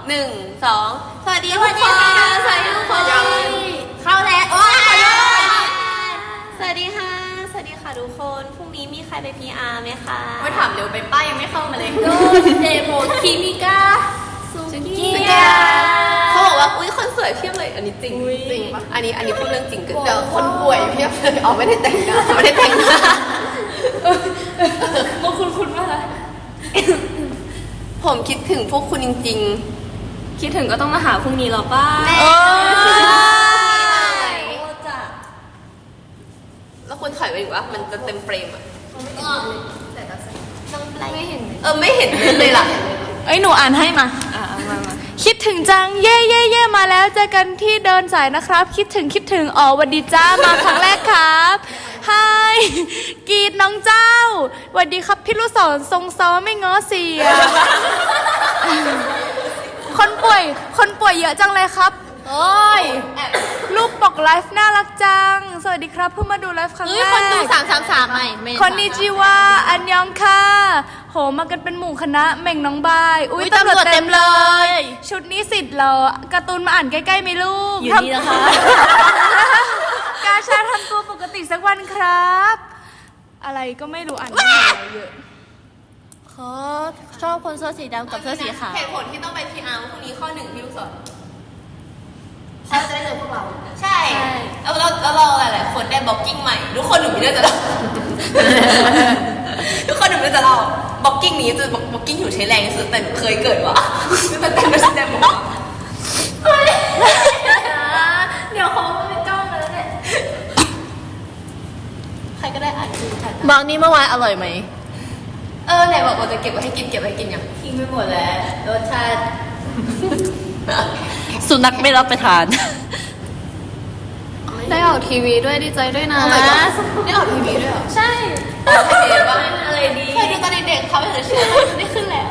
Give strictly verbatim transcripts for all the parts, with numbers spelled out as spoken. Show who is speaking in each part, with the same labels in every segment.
Speaker 1: หนึ่งสองสวัสดีทุกคนสวัสดีทุกคนเข้าแล้วโอ้ยสวัสดีค่ะสวัสดีค่ะทุกคนพรุ่งนี้มีใครไป พี อาร์ ไหมคะไม่ถามเร็วไปป้ายังไม่เข้ามาเลยโดเดโมคิมิก้าสุกี้เขาบอกว่าอุ้ยคนสวยเพียบเลยอันนี้จริงจริงปะอันนี้อันนี้พูดเรื่องจริงกันเดี๋ยวคนป่วยเพียบเลยอ๋อไม่ได้แต่งหน้าไม่ได้แต่งหน้ามันคุณคุณมากเลยผมคิดถึงพวกคุณจริงๆคิดถึงก็ต้องมาหาพรุ่งนี้หรอป้าเออแล้วคุณถอยไปอีกว่ามันจะเต็มเฟรมอ่ะไม่เห็นเออไม่เห็นเลยล่ะ
Speaker 2: เอ้ยหนูอ่านให้มา
Speaker 1: อ่ามามา
Speaker 2: คิดถึงจังเย่เย่เย่มาแล้วเจอกันที่เดินสายนะครับคิดถึงคิดถึงอ๋อวันดีจ้ามาครั้งแรกครับไฮกีดน้องเจ้าวันดีครับพี่ลูกศรทรงซ้อไม่ง้อเสียคนป่วยคนป่วยเยอะจังเลยครับโอ้ยรูปปกไลฟ์น่ารักจังสวัสดีครับเพิ่งมาดูไลฟ์ครั้งแรก
Speaker 1: คนดูสามสามสามใหม่
Speaker 2: คนนิจิวาอันยองค่ะโหมากันเป็นหมู่คณะเม่งน้องบายอุ้ยตำรวจเต็มเลยชุดนี้สิทธิ์เหรอการ์ตูนมาอ่านใกล้ๆไหมลูก
Speaker 1: อยู่นี่นะคะ
Speaker 2: กาชาทำตัวปกติสักวันครับอะไรก็ไม่รู้อ่านไม่เยอะ
Speaker 1: เขาชอบคนเสื้อสีดำกับเสื้อสีขาวเหตุผลที่ต้องไป พี อาร์ พรุ่งนี้ข้อหนึ่งพี่ลูกศรเขาจะได้เจอพวกเราใช่แล้วเราแล้วเราหลายๆคนได้บล็อกกิ้งใหม่ทุกคนหนูไม่ได้จะเล่าทุกคนหนูไม่ได้จะเล่าบล็อกกิ้งนี้จะบล็อกกิ้งอยู่ใช้แรงที่สุดแต่หนูเคยเกิดวะแต่แต่ไม่ใช่แต่บอกเดี๋ยวเขาไม่จ้องเลยเนี่ยใครก็ได้อ่านดูค่ะบางนี่เมื่อวานอร่อยไหมเออไหนบอกว่าจะเก็บไว้ให้กินเก็บไว้ให้กินยังทิ้งไปหมดแล้วรสชาติสุนัขไม่รับประทานได้ออกทีวีด้วยดีใจด้วยนะได้ออกทีวีด้วยเหรอใช่เห็นว่าอะไรดีเคยดูตอนเด็กๆเขาไม่เคยเชื่อได้ขึ้นแล้ว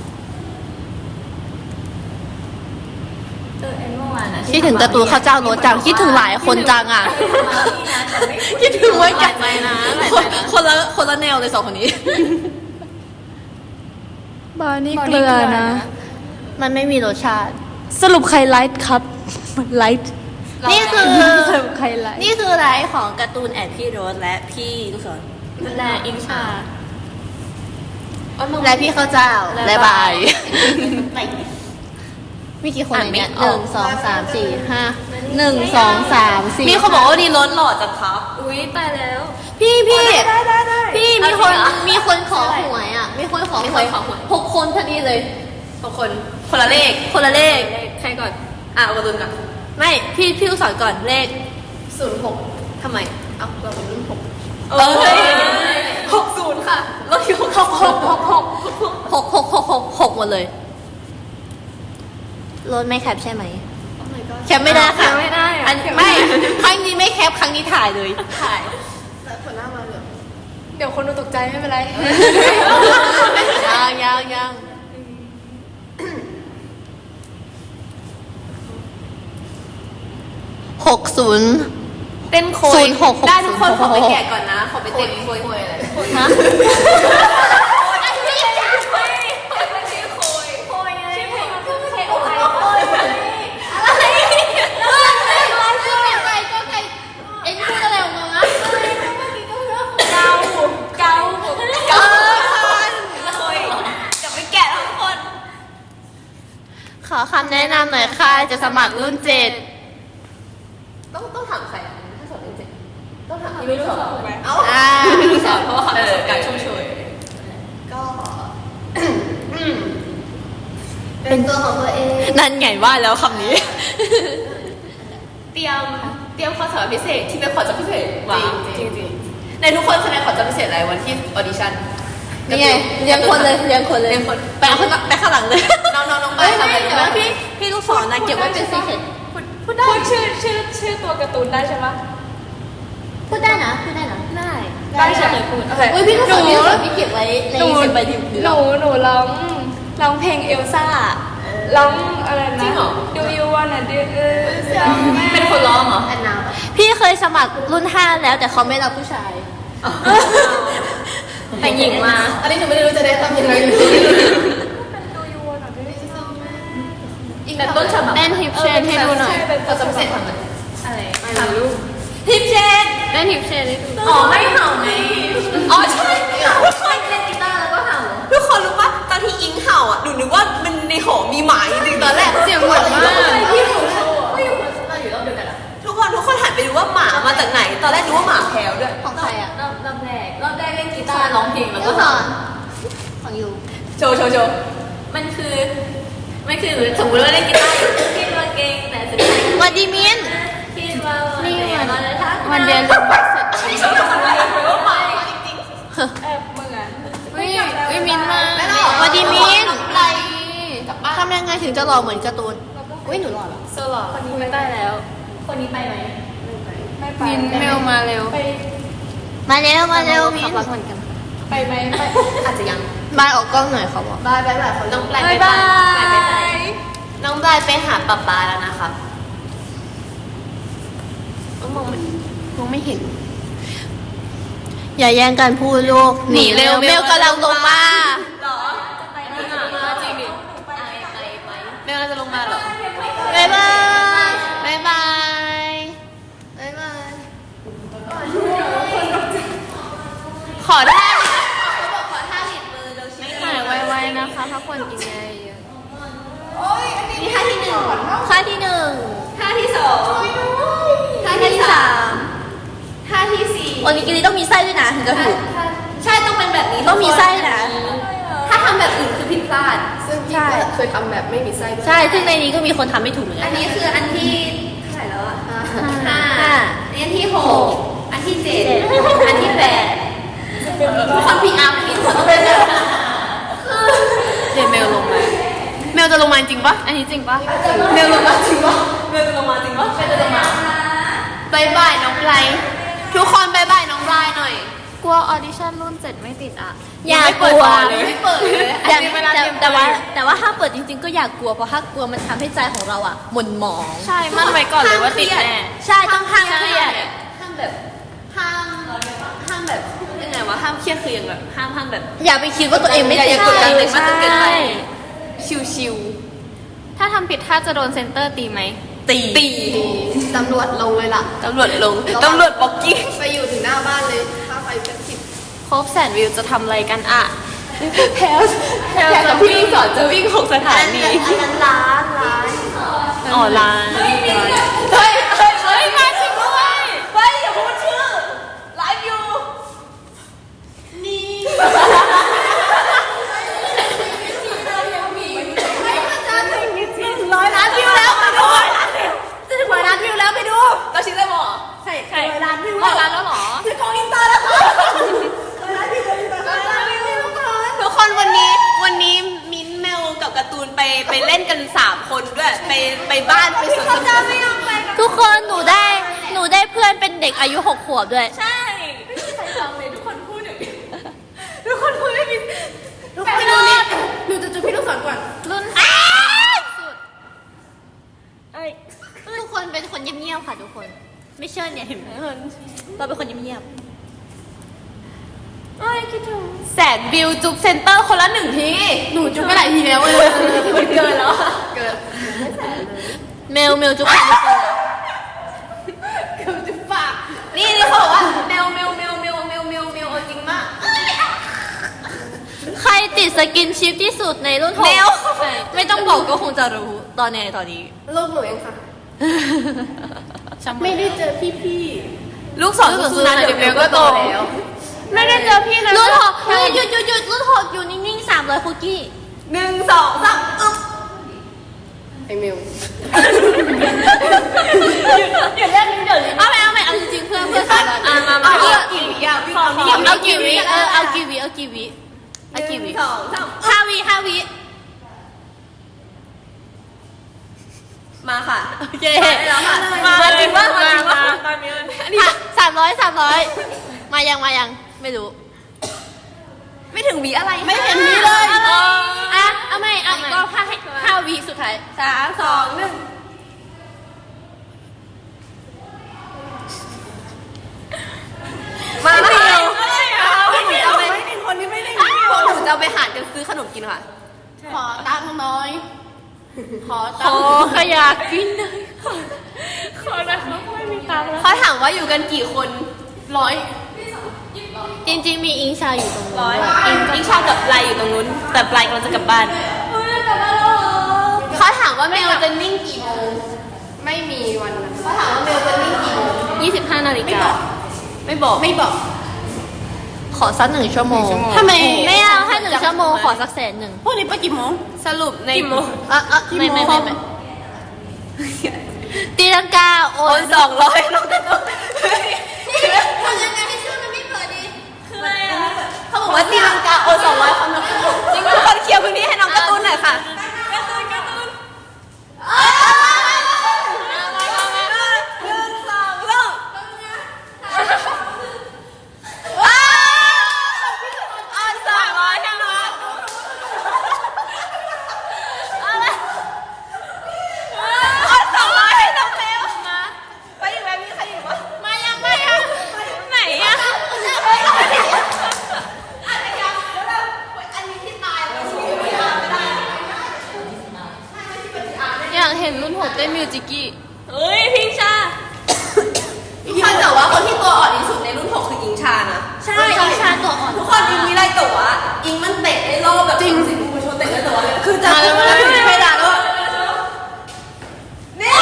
Speaker 1: คิดถึงการ์ตูนข้าวเจ้าโรสจังคิดถึงหลายคนจังอ่ะคิดถึงไว้กันคนละคนละแนวเลยสองคนนี้
Speaker 2: บานี่เกลือนะ
Speaker 1: มันไม่มีรสชาติ
Speaker 2: สรุปใครไลฟ์ครับไลฟ์
Speaker 1: นี่คือ
Speaker 2: สรุปใครไลฟ์
Speaker 1: นี่คือไลฟ์ของการ์ตูนแอนพี่โรสและพี่ลูกศรและอิงชาและพี่ข้าวเจ้าและบายมีกี่คนเนี่ยหนึ่งสองสามสี่ห้าหนึ่งสองสามสี่มีคนบอกว่าดีล้นหล่อจังครับอุ้ยไปแล้วพี่พี่พี่มีคนมีคนขอหวยอ่ะมีคนขอหวยหกคนพอดีเลยหกคนคนละเลขคนละเลขใครก่อนอ่ะเอากระตุนก่อนไม่พี่พี่ลูกศรก่อนเลขศูนย์หกทำไมเอาเราเป็นรุ่นหกเออหกศูนย์ค่ะเราอยู่หกหกหกหกหกหกหกหกหกหกหมดเลยรถไม่แคปใช่ไหมแคปไม่ได้ค่ะไม่ได้อันไม่ครั้งนี้ไม่แคปครั้งนี้ถ่ายเลยถ่ายแล้วคนหน้ามาเหรอ
Speaker 2: เดี๋ยวคนดูตกใจไม่เป็นไร
Speaker 1: ยังยังยังหกศูนย์เต้นโคยได้ทุกคนขอไปแกะก่อนนะขอไปเต้นโคยอะไรฮะขอคำแนะนำหน่อยค่ะจะสมัครรุ่นเจ็ดต้องต้องถามใครอ่ะถ้าสอบรุ่นเจ็ดต้องถามพี่ลูกศรไหมเอ้าพี่ลูกศรเพราะว่าเขาประสบการณ์ชุ่มชวยก็เป็นตัวของตัวเองนั่นไงว่าแล้วคำนี้เตรียมเตรียมข้อสอบพิเศษที่เป็นข้อสอบพิเศษจริงจริงในทุกคนแสดงข้อสอบพิเศษอะไรวันที่ออดิชั่นนี่ไงเลี้ยงคนเลยเลี้ยงคนเลยเลี้ยงคนไปข้างไปข้างหลังเลยน้องน้องน้องไปทำอะไรแต่ว่าพี่พี่ลูกศรนะเก็บไว้เป็นซีเคร็ต
Speaker 2: พูดได้ชื่อชื่อชื่อตัวการ์ตูนได้ใช่ไหม
Speaker 1: พูดได้นะพูดได้นะ
Speaker 2: ได้
Speaker 1: ได้ใช่ไหมพูดอุ้ยพี่ลูกศรพี่ลูกศรพี่เก็บไว้ในเซฟใบดิบ
Speaker 2: หนูหนูร้องร้องเพลงเอลซ่าร้องอะไรนะ Do you wanna do
Speaker 1: เป็นคนร้องเหรอพี่เคยสมัครรุ่นห้าแล้วแต่เขาไม่รับผู้ชายแต่หญิงมาอันนี้หนูไม่รู้จะได้ทำยังไงนทำอะไรอะไร
Speaker 2: ถ่ายรูป
Speaker 1: ทิปเชนเล่นทิปเชนได้ดูอ๋อไม่เห่าไงอ๋อใช่ใช่เล่นกีตาร์แล้วก็เห่าทุกคนรู้ปะตอนที่อิงเห่าอ่ะหนูนึกว่ามันในหอมีหมาจริงๆตอนแรกเสียงเหมือนมากที่หนูโชว์ไม่อยู่เราอยู่รอบเดียวกันทุกคนทุกคนหันไปดูว่าหมามาจากไหนตอนแรกนึกว่าหมาแพลวด้วยของใครอ่ะรอบรอบแรกรอบแรกเล่นกีตาร์ร้องเพลงแล้วก็สอนของยูโชว์โชว์โชว์มันคือมันคือสมมติว่าเล่นกีตาร์อยู่คิดว่าเก่งแต่สุดท้ายวันดีมินคิดว่านี่วันวันเดียนรู้ว่าเสร็จจริงจริงแอบเหมือนวิวิมินมาวันดีมินไรทำยังไงถึงจะหล่อเหมือนการ์ตูนอุ้ยหนูหล่อเหรอโซหล่อคนนี้ไม่ได้แล้วคนนี้ไปไหมไม่ไปมินเมลมาเร็วมาเร็วมาเร็วมินเหมือนกันไปไหมไปอาจจะยังบายออกกล้องหน่อยเขาบอกบายบายบายน้องบายบายบายน้องบายไปหาป๊าป๊าแล้วนะครับมองไม่มองไม่เห็นอย่าแย่งกันพูดลูกหนีเร็วเมลกำลังลงมาหรอจะไปไหนจริงดิไปไปไปเมลจะลงมาหรอบายบายบายบายบายบายขอได้หายไวๆนะคะพักผ่อนกินยาเยอะนี่ท่าที่หนึ่งท่าที่หนึ่งท่าที่สองท่าที่สามท่าที่สี่วันนี้กินนี้ต้องมีไส้ด้วยนะถึงจะถูกใช่ต้องเป็นแบบนี้ต้องมีไส้นะถ้าทำแบบอื่นคือผิดพลาดซึ่งใช่เคยทำแบบไม่มีไส้ใช่ซึ่งในนี้ก็มีคนทำไม่ถูกเหมือนกันอันนี้คืออันที่เท่าไหร่แล้วอ่ะห้าอันที่หกอันที่เจ็ดอันที่แปดทุกคนพีอาร์พีคนต้องเป็นแบบเดี๋ยวเมลลงมาเมลจะลงมาจริงปะอันนี้จริงปะเมลลงมาจริงปะเมลจะลงมาจริงปะเมลจะลงมาบายบายน้องไบรทุกคนบายบายน้องไบรหน่อยกลัวออดิชั่นรุ่นเจ็ดไม่ติดอ่ะอย่ากลัวไม่เปิดเลยแต่แต่ว่าแต่ว่าถ้าเปิดจริงๆก็อย่ากลัวเพราะถ้ากลัวมันทำให้ใจของเราอ่ะหม่นหมองใช่มั่นไว้ก่อนเลยว่าติดแน่ใช่ต้องห้ามเครียดห้ามแบบห้ามห้ามแบบยังไงวะห้ามเครียดคืออย่างแบบห้ามห้ามแบบอย่าไปคิดว่าตัวเองไม่อย่ากดดันเลยมากจนเกินไปชิวๆถ้าทำผิดถ้าจะโดนเซนเตอร์ตีไหมตีตีตำรวจลงเลยล่ะตำรวจลงตำรวจบล็อกกิ้งไปอยู่ถึงหน้าบ้านเลยถ้าไฟเป็นสิบครบแสนวิวจะทำอะไรกันอ่ะแพลแพลกับพี่สอนจะวิ่งหกสถานีอันนั้นร้านร้านอ๋อร้านเฮ้ยเฮ้ยเฮ้ยมาจริงด้วยเฮ้ยอย่าพูดชื่อไลฟ์อยู่นี่ร้อยล้านวิวแล้วไปดูจะถึงร้อยล้านวิวแล้วไปดูเราชิดเลยหมอใช่ใช่ร้อยล้านวิวร้อยล้านแล้วหรอถือกล้องอินเตอร์แล้วค่ะร้อยล้านวิวร้อยล้านวิวทุกคนวันนี้วันนี้มิ้นเมลกับการ์ตูนไปไปเล่นกันสามคนด้วยไปไปบ้านไปสวนสนุกทุกคนหนูได้หนูได้เพื่อนเป็นเด็กอายุหกขวบด้วยใช่ไม่มีใครฟังเลยทุกคนพูดอย่างนี้ทุกคนพูดไม่มีทุกคนดูนี่หนูจะจุดพี่ลูกศรก่อนรุ่นสุดทุกคนเป็นคนเงียบๆค่ะทุกคนไม่เชื่อเนี่ยเห็นไหมเราเป็นคนเงียบๆเอ้ยคิดถึงแสนวิวจุ๊บเซนเตอร์คนละหนึ่งทีหนูจุ๊บไปหลายทีแล้วเลยมันเกินแล้วเกินเมลเมลจุ๊บปากเกินจุ๊บปากนี่นี่เขาบอกว่าเมลเมลเมลเมลเมลเมลเมลจริงมากใครติดสกินชิปที่สุดในรุ่นหกไม่ต้องบอกก็คงจะรู้ตอนไหนตอนนี้ลูกหนูเองค่ะไม่ได้เจอพี่พี่ลูกสอนสุนันเดี๋ยวเมลก็โตแล้วไม่ได้เจอพี่นะรุ่นหกหยุดหยุดหยุดรุ่นหกอยู่นิ่งๆสามร้อยคุกกี้หนึ่งสองสามอึ๊บไอเมลหยุดเล่นเดี๋ยวเอาไปเอาไปเอาจริงๆเพื่อนเพื่อนอ่ะมามาเอากี่วิอ่ะเอากี่วิเออเอากี่วิเอากี่วิเอากี่วิสองสามห้าวิห้าวิมาค่ะโอเคมาจริงว่ามาจริงว่าสามร้อยสามร้อยมายังมายังไม่รู้ไม่ถึงวิอะไรไม่เห็นวิเลยอ่ะเอาไม่เอาอีกรอบห้าห้าวิสุดท้ายสามสองหนึ่งมาเดียวไม่มีเอาไปไม่มีคนนี้ไม่ได้พวกหนูจะเอาไปหารกันซื้อขนมกินค่ะขอตังค์น้อยขอ
Speaker 2: ขอขยะกินหน่อยขอนะครับไม่มีตังค์แล้ว
Speaker 1: เขาถามว่าอยู่กันกี่คนร้อยจริงๆมีอิงชาอยู่ตรงนู้น
Speaker 3: ร้อย
Speaker 1: ด้วย
Speaker 3: อิงอิงชากับไลอยู่ตรงนู้น แต่ไลกำลังจะกลับบ้าน
Speaker 1: เขาถามว่าเมลจะนิ่งกี่โมงไม่มีวันนั้นเขาถามว่าเมลจะนิ่งกี่โมง
Speaker 3: ยี่สิบห้านาฬิกา
Speaker 1: ไม่บอกไม่บอก ขอสักหนึ่งชั่วโมง
Speaker 3: ทำไม
Speaker 1: ไม่เอาให้หนึ่งชั่วโมงขอสักแสนหนึ่ง
Speaker 3: พวกนี้ไปกี่โมง
Speaker 1: สรุปใน
Speaker 3: กี่โมง
Speaker 1: เออเออไม่ไม่ไม่ไม่ตีลังกาโอ
Speaker 3: โอน นสองร้อยน้องตะตุน
Speaker 1: ทำยังไงให้ชื่อมันไม่เปิดดี
Speaker 3: คืออะไรอ่ะเขาบอกว่าตีลังกาโอนสองร้อยคนจริงทุกคนเคลียร์พื้นที่ให้น้องการ์ตูนหน่อยค่ะการ์ตูนการ์ตูนหนึ่งสองสามออนสองร้อยให้น้องออนสองร้อยให้น้องเมลมาไปอีกแล้วมีใครอยู่ปะมายังมายังไหนอะ
Speaker 1: อยากเห็นรุ่นหกเต้นมิวจิกี้
Speaker 3: เฮ้ยพิงชาทุกคนแต่ว่าคนที่ตัวอ่อนที่สุดในรุ่นหกคืออิงชานะ
Speaker 1: ใช่อิงชาตัวอ่อน
Speaker 3: ทุกคนอิงมีไรแต่ว่าอิงมันเตะได้รอบแบบจริงสิคุณชนเตะได้แต่ว่าคือจะ
Speaker 1: มาแล้ว
Speaker 3: ไม่ได้ไม่ได้แล้วนี่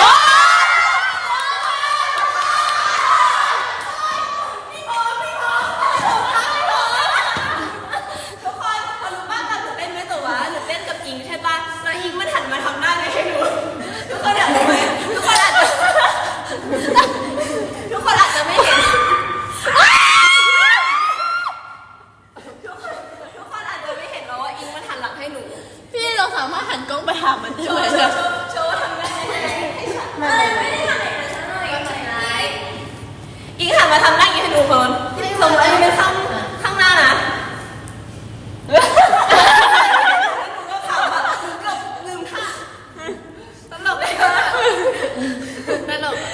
Speaker 3: ทุกคนคนรู้บ้างกันหนูเต้นไหมแต่ว่าหนูเต้นกับอิงใช่ปะแล้วอิงมันหันมาทำหน้าให้หนูทุกคนอยากรู้ไหมทุกคนอาจจะทุกคนอาจจะไม่เห็น ทุกคนทุกคนอาจจะไม่เห็นแล้วว่าอิงมันหันหลังให้หนู
Speaker 1: พี่เราสามารถหันกล้องไปหามันได้
Speaker 3: โช
Speaker 1: ไหม
Speaker 3: ว์โชว์โชว์โชว์ทำได้ไหมให้ฉันไม่ไม่ได้ทำให้ฉันหน่อยก็ฉันไหนอิงหันมาทำหน้าอย่างนี้ให้ดูคนสมมติอันนี้เป็นข้างข้างหน้านะหนูก็ขำแบบหนูก็ลืมท่าตลกเลยค่ะ
Speaker 1: ตลก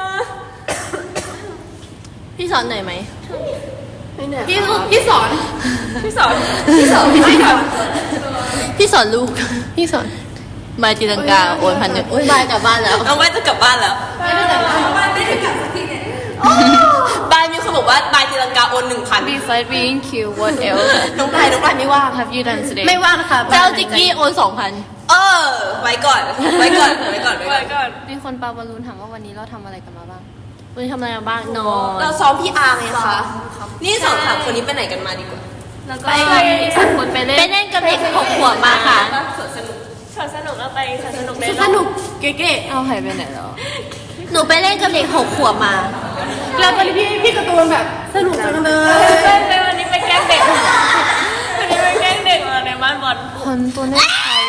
Speaker 1: พี่สอนหน่อยไหมพี่พี่สอน
Speaker 3: พี่สอนพี่สอนพี่สอน
Speaker 1: พี่สอนลูก พี่สอนบายตีลังกาโอนพันหนึ่งบายกลับบ้านแล้ว
Speaker 3: น้องใบจะกลับบ้านแล้ว
Speaker 1: ไม่ได้กลับบ้าน
Speaker 3: บ้านไม่ได้กลับสักทีเนี่ยบายมีคนบอกว่าบายตีลังกาโอนหนึ่งพัน
Speaker 2: Besides being cute what else
Speaker 3: น้องบายน้องบายไม่ว่าง
Speaker 2: have you done today
Speaker 1: ไม่ว่างค่ะเจ้าจิกกี้โอนสองพัน
Speaker 3: เออ ไว้ก่อน ไว้ก่อน ไว้ก่อน ไว้ก่อน
Speaker 2: มีคนปาบอลลูนถามว่าวันนี้เราทำอะไรกันมาบ้าง
Speaker 1: วันนี้ทำอะไรมาบ้างนอน
Speaker 3: เราซ้อมพี่อาร์ไงคะ นี่สองสามคนนี้ไปไหนกันมาดีกว่า
Speaker 2: แล้วก็อีกสองคนไปเล่น
Speaker 1: ไปเล่นกับเด็กหกขวบมาค่ะ
Speaker 3: สวนสนุก
Speaker 2: สวนสนุกแล้วไปสวนสนุก
Speaker 1: สนุกเก๋
Speaker 2: เอาหายไปไหนแล้ว
Speaker 1: ๆหนูไปเล่นกับเด็กหกขวบมา
Speaker 3: แล้ววันนี้พี่พี่การ์ตูนแบบสนุกจังเลย
Speaker 2: ไปวันนี้ไปแกล้งเด็กวันนี้ไปแกล้งเด็กมาในบ้านบอล
Speaker 1: คนตัวเล็กเขา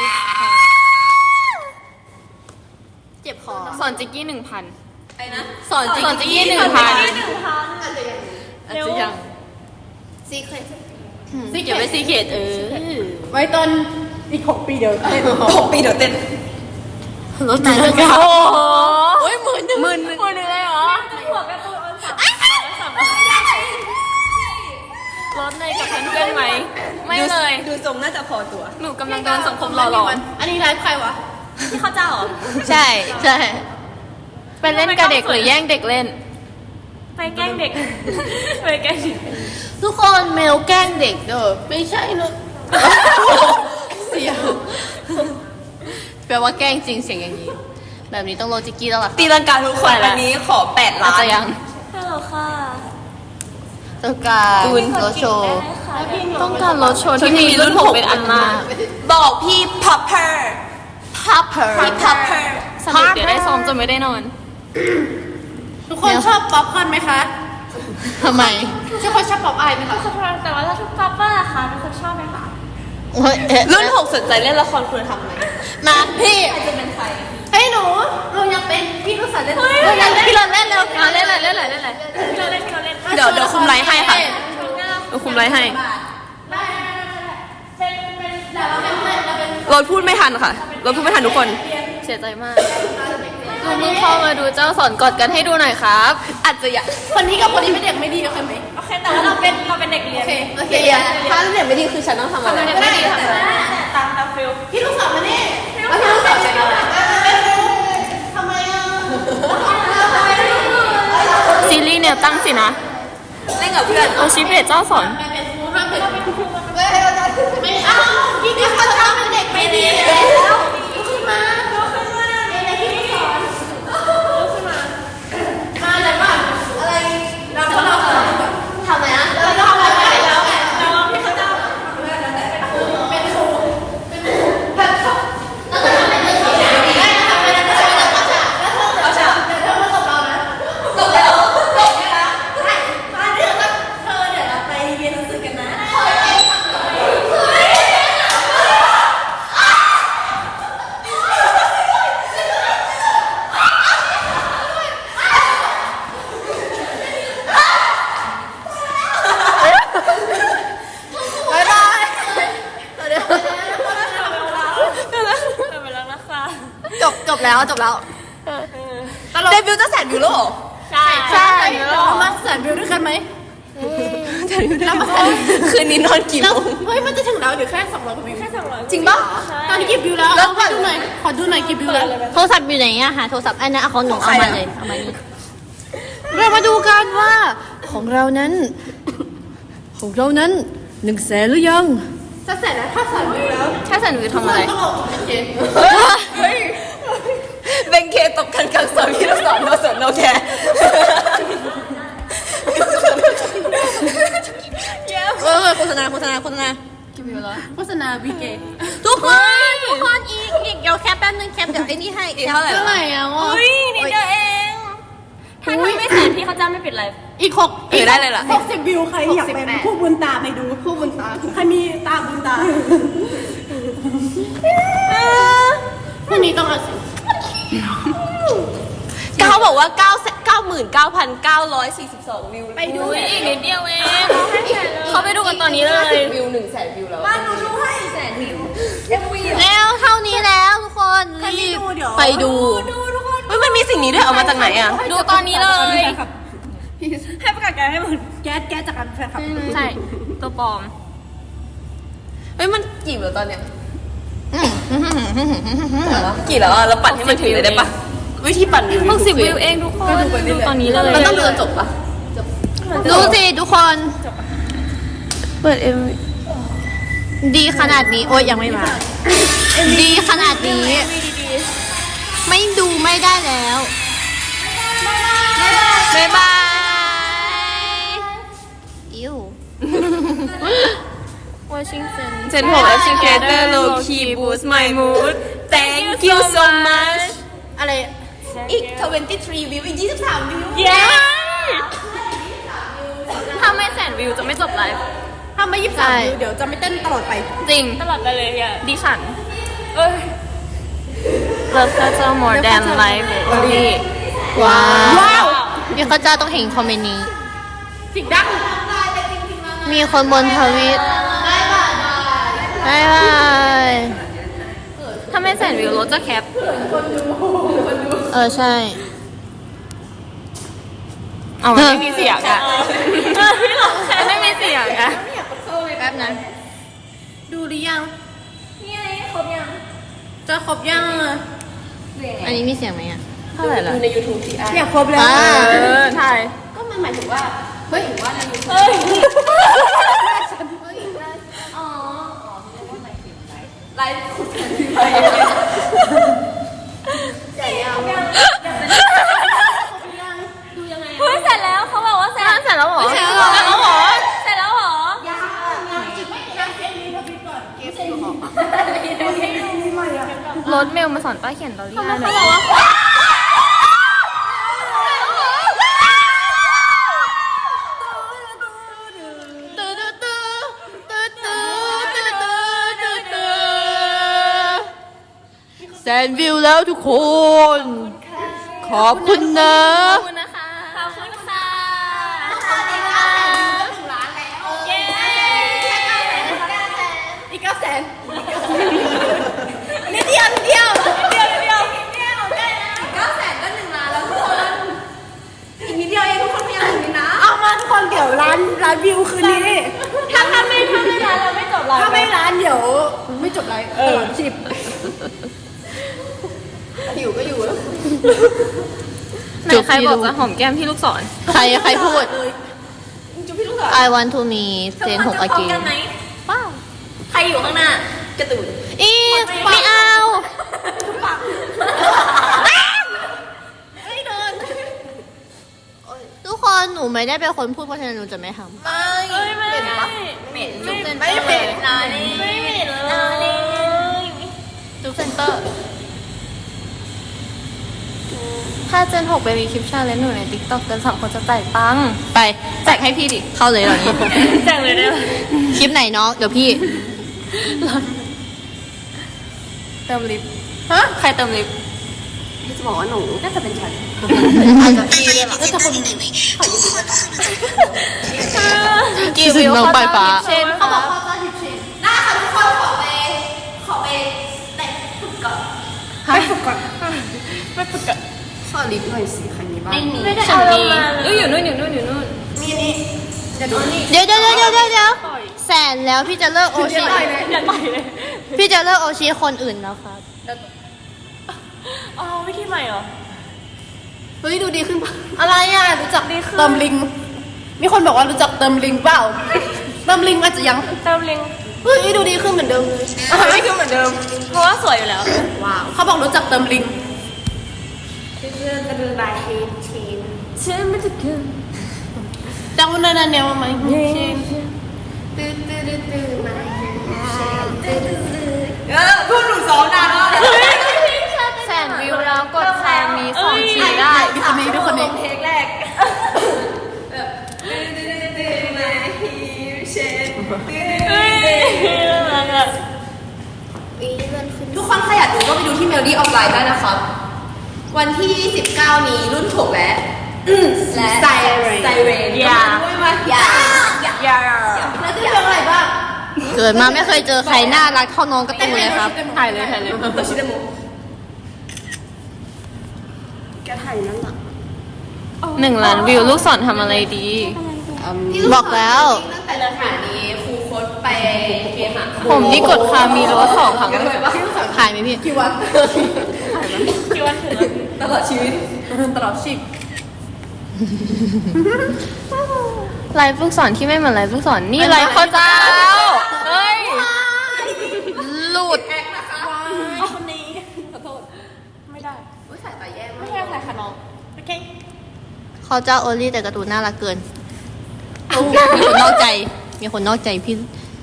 Speaker 1: เจ็บคอ
Speaker 2: สอนจิกกี้หนึ่งพัน
Speaker 3: ไปนะ
Speaker 1: สอนจิก
Speaker 2: สอนจิกกี้
Speaker 1: กี้
Speaker 2: หนึ่งพัน
Speaker 1: อาจจะยัง
Speaker 2: อาจจะยัง
Speaker 1: ซีเครตซีเก็บไว้ซีเครตเออ
Speaker 3: ไว้ตอนอีกหกปีเดี๋ยวเต้นหกปีเดี๋ยวเต้น
Speaker 1: รถตีลังกา
Speaker 2: โอ้โห
Speaker 1: โอ้ยหมื่นหนึ่ง
Speaker 2: หมื่นหนึ่งหมื่นหนึ่งเลยเหรอหัวการ์ตูนออนสามสามรถเลยกับเพื่อนๆไหม ไม่เลย
Speaker 3: ดูทรงน่าจะพอตัว
Speaker 2: หนูกำลังโดนสังคมหล่อหลอม
Speaker 1: อันนี้ไลฟ์ใครวะ
Speaker 3: พี่ข้าวเจ้าเหรอ
Speaker 1: ใช่ใช่
Speaker 2: ไปเล่นกับเด็กหรือแย่งเด็กเล่น
Speaker 3: ไปแกล้งเด็ก ไปแกล้งเด็ก
Speaker 1: ทุกคนเมลแกล้งเด็กเด้อไม่ใช่เนอะเสียงแปลว่าแกล้งจริงเสียงอย่างนี้ แบบนี้ต้องโลจิกกี้แล้วล่ะ
Speaker 3: ตีลังกาทุกคนอันนี้ขอแปดล้า
Speaker 2: อาจ
Speaker 3: น
Speaker 2: จะยัง
Speaker 3: ฮัลโหลค่ะ
Speaker 1: ต้องการ
Speaker 3: ตูน
Speaker 1: รถโชว์
Speaker 2: ต้องการรถโชว์ที่มีรุ่นหกเป็นอันมาก
Speaker 3: บอกพี่พับเพอร์
Speaker 1: พับเพอร์
Speaker 3: พี่พับเพอร์
Speaker 2: สนุกเดี๋ยวได้ซ้อมจนไม่ได้นอน
Speaker 1: ทุกคนชอบป๊อปคอร์นไหมคะทำไมทุกคนชอบป๊อปอายไหมคะ
Speaker 2: แต่ว่าถ้าทุกป๊อปเปอร์อะคะทุกคนชอบไหมคะ
Speaker 1: โอ้ยเอ๊ะ
Speaker 3: รุ่นหกสนใจเล่นละครคุณทำไหม
Speaker 1: มาพี่
Speaker 3: จะเป็นใคร
Speaker 1: เฮ้ยหนูหนูอยากเป็นพี่ลูกสาวเล่น
Speaker 2: เฮ้ย
Speaker 1: เราอยากพี่เราเล่นเร็ว
Speaker 2: เอาเล่นอะไรเล่นอะไรเล่นอะไรพี่เราเล่นพี่เราเล่น
Speaker 3: เดี๋ยวเดี๋ยวคุมไลฟ์ให้ค่ะ เดี๋ยวคุมไลฟ์ให้รถพูดไม่ทันค่ะรถพูดไม่ทันทุกคน
Speaker 2: เสียใจมากลุงมึงเข้ามาดูเจ้าสอนกอดกันให้ดูหน่อยครับ
Speaker 3: อาจจะอยาก
Speaker 1: คนนี้กับคนนี้เป็นเด็กไม่ดีโอเคไหม
Speaker 3: โอเคแต่ว่าเราเป็นเราเป็นเด็กเรียน
Speaker 1: โอเคถ้าเด็กไม่ดีคือฉันต้องทำอะไร
Speaker 3: เด็กไม่ดีทำอะไรตามตามฟิล
Speaker 1: พี่ลูกสาวมานี่มาพี่ลูกสาว
Speaker 3: นะ เล่นกับเพื่อนโอชิเบตเจ้าสอน
Speaker 1: ไม่เอาพี่นี่เขาชอบเป็นเด็กไม่ดีแล้วขึ้นมาอะไรที่สอนมาเลยป่ะอะไรเราเราทำไมนะเราทำอะไรแล้วไงเราพี่เขาเจ้าเป็นครูเป็นครูแบบเขาแล้วก็ทำเป็นเด็กได้ทำเป็นเด็กได้แล้วก็จะแล้วเธอเดี๋ยวเธอมาตบเรานะตบแล้วตบเนี่ยนะใช่มาเดี๋ยวเธอเดี๋ยวเราไปเรียนหนังสือกันนะจบจบแล้วจบแล้วเดบิวต์จะแสนวิวแล้วเหรอใช่ใช่เรามาแสนวิวด้วยกันไหมแสนวิวด้วยกันคืนนี้นอนกี่โมงเฮ้ยมันจะถึงแล้วเดี๋ยวแค่สองร้อยกว่าวิวแค่สองร้อยจริงป่ะตอนนี้กี่วิวแล้วแล้วขอดูหน่อยขอดูหน่อยกี่วิวแล้วโทรศัพท์อยู่ไหนอะหาโทรศัพท์อันนั้นเอาของหนูเอามาเลยเอามานี่เรามาดูกันว่าของเรานั้นของเรานั้นหนึ่งแสนหรือยังจะแสนแล้วถ้าแสนวิวแล้วถ้าแสนวิวทำอะไรเฮ้ยเบงเคตบกันกลางสอนพี่เราสอนเราสอนเราแค่เออโฆษณาโฆษณาโฆษณากี่วิวแล้วโฆษณาวีเกทุกคนทุกคนอีกอีกเดี๋ยวแคปแป๊บนึงแคปเดี๋ยวไอ้นี่ให้อีกเท่าไหร่เท่าไหร่อ่ะอุ้ยนิดเดียวเองถ้าทำไม่แสนพี่เขาจ้างไม่ปิดเลยอีกหกอีกได้เลยล่ะ
Speaker 4: หกสิบวิวใครอยากเป็นผู้บุญตาไปดูผู้บุญตาใครมีตาบุญตาพรุ่งนี้ต้องเอาสิ
Speaker 3: เขาบอกว่าเก้าเก้าหมื่นเก้าพันเก้าร้อยสี่สิบสองวิวไปดูอีกนิดเดียวเองเขาไปดูกันตอนนี้เลยวิวหนึ่งแสนวิวแล้วบ้านดูดูให้แสนวิวเอ็มวี
Speaker 1: แล้วเท่านี้แล้วทุกคนรีบไปดู
Speaker 3: เฮ้ยมันมีสิ่งนี้ด้วยเอามาจากไหนอ่ะดูตอนนี้เลย
Speaker 4: ให้ประกาศแกให้หมดแก๊สแก๊สจากการแฟนคลับ
Speaker 3: ใช่ตัวปลอมเฮ้ยมันกี่แล้วตอนเนี้ยกี่แล้วอ่ะเราปั่นให้มันถึงเลยได้ปะวิธีปั่นวิวหกสิบวิวเองทุกคนดูตอนนี้เลยมันต้องดูจนจบปะ
Speaker 1: ดูสิทุกคนเปิดเอ็มดีขนาดนี้โอ้ยยังไม่มาดีขนาดนี้ไม่ดูไม่ได้แล้วบ๊ายบายอิว
Speaker 3: Washington เจนหก Educator Low Key Boost My Mood Thank you so much
Speaker 1: อะไร
Speaker 3: อีกยี่สิบสามวิวอีกยี่สิบสามวิวเย้ถ้าไม่แสนวิวจะไม่จบไลฟ์
Speaker 4: ถ้าไม่ยี่สิบสามวิวเดี๋ยวจะไม่เต้นตลอดไป
Speaker 3: จริงตลอดไปเลยอ่ะดิฉันเอ้ย Love Culture More Than Life Only
Speaker 1: ว้าวมีข้าเจ้าต้องเห็นคอมเมนต์นี้
Speaker 4: สิ่งดัง
Speaker 1: มีคนบนทวิตบายบายบายบาย
Speaker 3: ถ้าไม่แสนวิวรถจะแคป
Speaker 1: เออใช่
Speaker 3: เอาไม่มีเสียงอะพี่หลอกแค่ไม่มีเสียงอะ
Speaker 1: แป๊บนั้น
Speaker 4: ดูหรือยัง
Speaker 3: นี่ไงครบยัง
Speaker 4: จะครบยังอ่ะ
Speaker 1: อันนี้มีเสียงไหมอ่ะ
Speaker 3: เท่าไหร่ล่ะดูใน YouTube สิ
Speaker 4: เนี่ยครบแล้ว
Speaker 3: เออใช่
Speaker 4: ก็มันหมายถึงว่าเฮ้ยว่าใน YouTube
Speaker 3: เฮ้ย
Speaker 4: อ๋อ
Speaker 3: ไลฟ์คุยกันไป
Speaker 4: ใหญ่ยัง
Speaker 3: ดูยังไงเฮ้ยเสร็จแล้วเขาบอกว่าเสร็จเสร็จแล้วหรอเสร็จแล้วหรอเสร็จแล้วหรอ
Speaker 4: ยังยังอีกไม่ยังเอ็นนี้ทวิตก่อนเก็บของ
Speaker 3: รถเมลมาสอนป้าเขียนตอรี่ให้หน่อย
Speaker 1: แสนวิวแล้วทุกคนขอบคุณนะ
Speaker 3: ขอบคุณนะคะขอบคุณค่ะขอบคุณค่ะถึงล้านแล้วเย้
Speaker 4: อีกเก้าแสน
Speaker 3: นิดเดียวนิดเดียวนิดเดียวนิดเดียว
Speaker 4: นิดเดียวใกล้แล้วเก้าแสนก็หนึ่งล้านแล้วทุกคนอีกนิดเดียวเองทุกคนพยายามถึงนะเอามาทุกคนเดี๋ยวล้านล้านวิวคืนนี้
Speaker 3: ถ้าถ้าไม่ถ้าไม่ล้านเราไม่จบไลฟ์
Speaker 4: ถ้าไม่ล้านเดี๋ยวไม่จบไลฟ์ตลอดชีพ
Speaker 3: อยู่ก็อยู่แล้วไหนใครบอกจะหอมแก้มพี่ลูกศร
Speaker 1: ใครใครพูด
Speaker 3: จุ๊บพี่ลูกศร
Speaker 1: I want to me เซนหกอากี
Speaker 3: กันไหมว้าวใครอยู่ข้างหน้ากระตูน
Speaker 1: อีไม่เอา ทุกคนหนูไม่ได้เป็นคนพูดเพราะฉะนั้นหนูจะไม่ทำ
Speaker 3: ไม่ไม่เหม็นจุ๊บเซนเตอร์ไม่เหม็นนานี่ไม่เหม็นเลย
Speaker 1: จุ๊บเซนเตอร์
Speaker 3: ถ้าเจนหกไปมีคลิปชาเลนจ์หนูในติ๊กต็อกเกินสามคนจะจ่ายตังค์
Speaker 1: ไป
Speaker 3: แจกให้พี่ดิ
Speaker 1: เข้าเลยเหรอนี้
Speaker 3: แจกเลยได้ไหม
Speaker 1: คลิปไหนน้องเดี๋ยวพี่
Speaker 3: เติมลิฟต์ฮะใครเติมลิฟต์
Speaker 4: พี่จะบอกว่าหนูน่าจะเป็นฉัน
Speaker 1: อาจจะพี่ด้วยหรอ
Speaker 4: น่าจะคน
Speaker 1: กี่วิวน้องปลายฟ้า
Speaker 3: เช่น
Speaker 4: เขาบอกว่าจะหยิบเชนได้ค่ะทุกคนขอไปขอไปแต่งฝึกก่อนไปฝึกก่อน
Speaker 3: ไม่ฝึกอะ
Speaker 4: ขอลิฟต์หน่อยสิใครมีบ้าง
Speaker 3: ไม่มีไม่ได้เอาลงมาเอ้ยอยู่นู่นอยู่นู่นอยู่นู่น
Speaker 4: มีนี่จะดูนี่
Speaker 1: เดี๋ยวเดี๋ยวเดี๋ยวเดี๋ยวเดี๋ยวแสนแล้วพี่จะเลิกโอชิ
Speaker 3: อย่าต่อยเลย
Speaker 1: พี่จะเลิกโอชิคนอื่นแล้วครับ
Speaker 3: อ๋อวิธีใหม่เหรอ
Speaker 4: เฮ้ยดูดีขึ้นปะอะไรอ่ะรู้จัก
Speaker 3: ดีขึ้น
Speaker 4: เติมลิง มีคนบอกว่ารู้จักเติมลิงเปล่า เติมลิงอาจจะยัง
Speaker 3: เติมลิง
Speaker 4: เฮ้ยดูดีขึ้นเหมือนเดิมเลย
Speaker 3: ไม่คือเหมือนเดิม เพราะว่าสวยอยู่แล้ว
Speaker 4: ว้าวเขาบอกรู้จักเติมลิง
Speaker 3: เชื่อไม่จะคืน
Speaker 4: จังวันนั้นเนี่ยไหมเออพูดหนูสองนานแล้ว
Speaker 3: แสนวิวแล้วกดแชร์มีสองชีได้
Speaker 4: ดูคนนี้ดูคนนี้
Speaker 3: เทคแรก เฮ้ยน่ารักอะ
Speaker 4: ทุกคนใครอยากดูก็ไปดูที่ Melody of Life ได้นะครับ วันที่ สิบเก้า นี้รุ่นหกและและไซเรนไซเรน
Speaker 3: อย่า
Speaker 4: ด้วยมาอย่า
Speaker 3: อย่า
Speaker 4: แล้วจะเรื่องอะไรบ้าง
Speaker 1: เกิดมาไม่เคยเจอใครน่ารักเท่าน้องการะตูนเลยครับ
Speaker 3: ถ่ายเลยถ่ายเลย
Speaker 4: ตัวชิดมูแกถ่ายนั่นหรอ
Speaker 3: หนึ่งล้านวิวลูกศรทำอะไรดี
Speaker 1: บอกแล้ว
Speaker 4: ตั้งแต่สถานีครูโค้ดไปเกมอ่ะ
Speaker 3: ผมนี่กดคามีโรสสองครั้ง
Speaker 1: ถ่ายไหมพี่
Speaker 4: กี่วัน
Speaker 3: คิดว่าถึง
Speaker 4: ตลอดชีวิตตลอดชีพ
Speaker 3: ไลฟ์ลูกศรที่ไม่เหมือนไลฟ์ลูกศรนี่ไลฟ์ข้าวเจ้า เฮ้ย
Speaker 1: หลุด
Speaker 4: แอคนะคะคนนี้ขอโทษไม่ได้อุ้ยถ่ายไปแย่มาก
Speaker 3: ไม่ใช่ใครคะน้องโอเค
Speaker 1: เขาเจ้าโอลี่แต่การ์ตูนน่ารักเกิน มีคนนอกใจ มีคนนอกใจพี่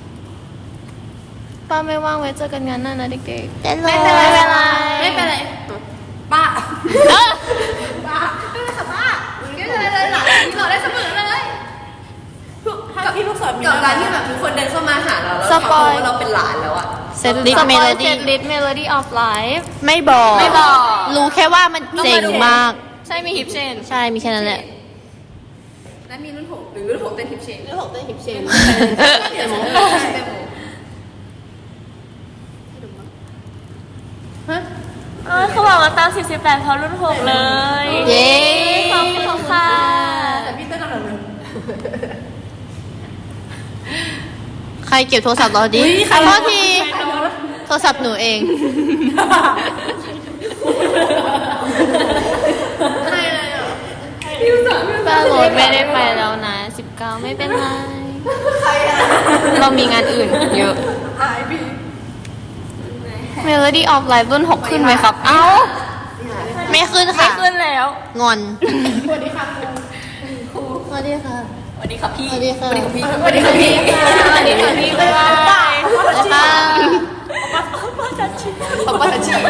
Speaker 3: ป้าไม่ว่างไว้เจอกันงานหน้านะเด็ก
Speaker 1: แต่
Speaker 3: ไม่เป็นไรไม่เป็นไร
Speaker 4: ไม่เป็นไรป้า
Speaker 1: เออ
Speaker 4: ป้าไม่เป็นไรค่ะป้าไม่เป็นไรเลยหลานที่เราได้เสมอเลยกับพี่ลูกศรกับการที่แบบทุกคนเดินเข้ามาหาเราแล้วเขาบอกว่าเราเป็นหลานแล้วอะ
Speaker 1: เซตลิส
Speaker 3: ส
Speaker 1: เม
Speaker 3: ปอ
Speaker 1: โล
Speaker 3: ยเซ
Speaker 1: ดี้
Speaker 3: ตลิสเมโลดี้ออฟไลฟ์
Speaker 1: ไม่บอก
Speaker 3: ไม่บอก
Speaker 1: รู้แค่ว่ามันเจ๋งมาก
Speaker 3: ใช่มีฮิปเชน
Speaker 1: ใช่ มีแค่นั้นแหละ
Speaker 4: และมีรุ่นหกหรือรุ่นหกเต้นฮิปเชนรุ่นหกเต้นฮิปเชน
Speaker 3: เดี๋ยว เออเขาบอกว่าตามสี่สิบแปดเพราะรุ่นหกเลย
Speaker 1: เย้
Speaker 3: ขอบคุณค่ะ
Speaker 4: แต่พี่เต้นอะไรเลย
Speaker 1: ใครเก็บโทรศัพท์เราดิขอโทษที โทรศัพท์หนูเอง
Speaker 4: ใครเลยอ่ะ
Speaker 3: ป้าโรดไม่ได้ไปแล้วนะสิบเก้าไม่เป็นไร
Speaker 4: ใครอ่ะ
Speaker 3: เรามีงานอื่นเยอะ
Speaker 4: หายพี่
Speaker 3: Melody of Life รุ่นหกขึ้นไหมครับ เอ้า
Speaker 1: ไม่ขึ้น
Speaker 3: ไม่
Speaker 1: ค่ะ
Speaker 3: ขึ้นแล้ว
Speaker 1: งอน
Speaker 4: สวัสดีค่ะครู
Speaker 1: สวัสดีค่ะ
Speaker 3: สวัสดีค่ะพี่
Speaker 1: สวัสดีค่ะ
Speaker 4: สวัสดีค่ะพี่สวัสดีค่ะพี่
Speaker 3: สวัสดีค่ะพี่บ๊ายบาย
Speaker 1: สวัสดีค่ะ
Speaker 4: ขอบคุณชี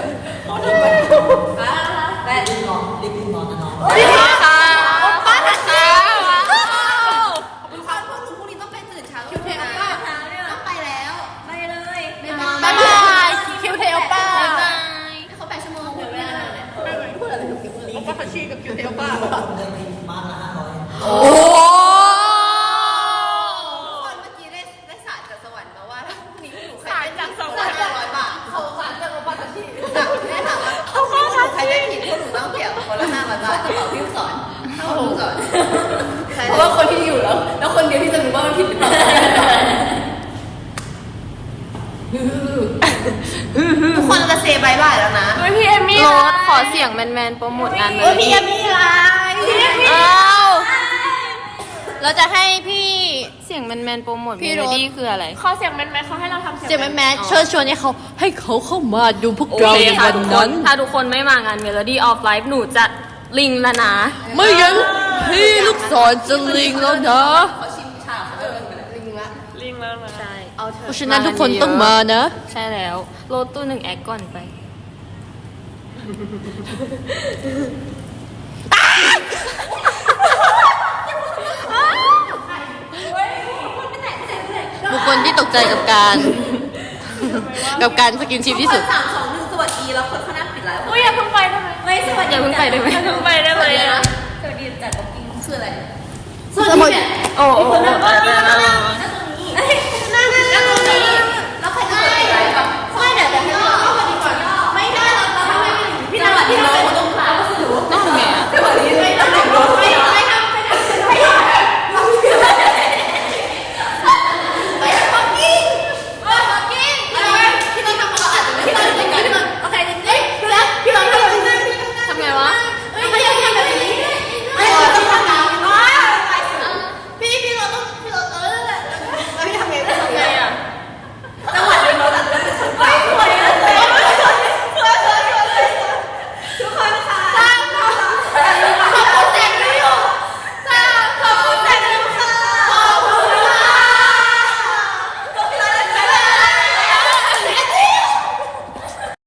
Speaker 4: แม่ดินนอนดินนอนนะน้อง
Speaker 3: สวัสดีค่ะป้าค่ะ
Speaker 4: คุณความพวกหนูพรุ่งนี้ต้องไปตื่นเช้าคิวเทลป้าต้องไปแล้วไปเลยบ๊ายบาย
Speaker 1: บ๊ายบายคิวเทลป้า
Speaker 3: บ๊ายบาย
Speaker 4: เขาแปดชั่วโมงเดี๋ยวเวลาเนี่ยพูดอะไรกับคิวเทลป้าผัดชีกับคิวเทลป้า
Speaker 1: โอ้
Speaker 4: คนเมื่อกี้ได้ได้สารจากสวรรค์มาว่าถ้าพรุ่งนี้หนูใครได้จากสวรรค์ร้อยบาทเขาสารจากป้าผัดชีแม่ถามว่าเขาข้อใครได้ผิดพวกหนูต้องเกี่ยวคนละห้าร้อยบาทกระเป๋าพี่สอนเข้าลูกสอนเพราะว่าคนที่อยู่แล้ว แล้วคนเดียวที่จะรู้ว่ามันผิดหรือเปล่าทุกคนจะเซบายบายแล้วนะ
Speaker 3: เฮ้ยพี่เอมมี่โรสขอเสียงแมนๆโปรโมทงานเลยพี่มีอะไร
Speaker 1: อ้าวเราจะให้พี่
Speaker 3: เสียงแมนๆโปรโมท
Speaker 1: พี่
Speaker 3: เม
Speaker 1: โร
Speaker 3: โล
Speaker 1: ส
Speaker 3: ดี้คืออะไร
Speaker 2: ขอเสียงแมนๆเขาให้เราทำเสียง
Speaker 1: เจมแมนเชิญชวนให้เขาให้เขาเข้ามาดูพวกเราใน
Speaker 3: ถ้า
Speaker 1: วัน
Speaker 3: ทุกค
Speaker 1: นั้น น
Speaker 3: ถ้าทุกคนไม่มางาน Melody of Life หนูจะลิงแล้วนะ
Speaker 1: ไม่งั้นพี่ลูกศรจะลิงแล้วนะ
Speaker 2: ลิงแล้วนะ
Speaker 3: ใช่
Speaker 1: เพราะฉะนั้นทุกคนต้องมานะ
Speaker 3: ใช่แล้วโรสตู้หนึ่งแอคก่อนไป
Speaker 1: บุคคลที่ตกใจกับการ กับการสกินชิปที่สุด
Speaker 4: สามสองหนึ่งสวัสดีแล้วคนข้างหน้าปิดไลฟ์
Speaker 2: อุ้ยอย่าเพิ่งไปได้ไหม
Speaker 4: ไม่สวัสดี
Speaker 3: อย่าเพิ่งไปได้ไหม
Speaker 2: อย่าเพิ่งไปได้ไหมอะ
Speaker 4: สวัสดีจัดบ็อกกิ้งคืออะไร
Speaker 1: สวัสดี
Speaker 3: โอ้โห
Speaker 4: คนนั้นก็มาตรงนี้